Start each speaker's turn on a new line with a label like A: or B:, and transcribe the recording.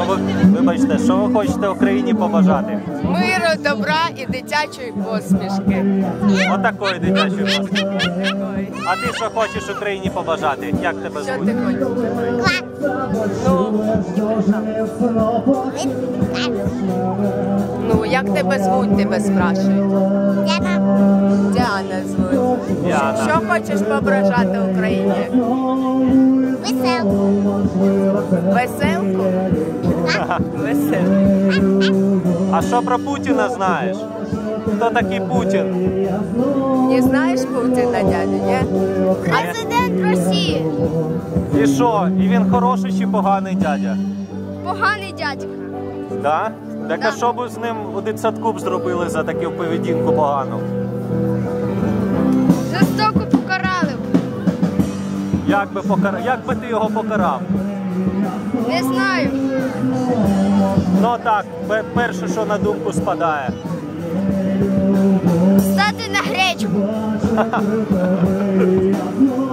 A: Вибачте, що ви хочете Україні побажати?
B: Миру, добра і дитячої посмішки.
A: Отакої дитячої посмішки. А ти що хочеш Україні побажати? Як тебе
B: Що
A: звуть?
B: ти хочеш? Ну, як тебе звуть, тебе спрашують? Діана звуть.
A: Діана.
B: Що хочеш побажати Україні?
C: Веселку.
B: Веселку? Веселку.
A: А що про Путіна знаєш? Хто такий Путін?
B: Не знаєш Путіна, дядя, ні?
C: Президент Росії.
A: І що? І він хороший чи поганий дядя?
C: Поганий дядько.
A: Да? Так а що б з ним у дитсадку б зробили за таку поведінку погану?
C: Жорстоко покарали.
A: Як би ти його покарав?
C: Не знаю.
A: Ну так, перше, що на думку спадає.
C: Стати на гречку.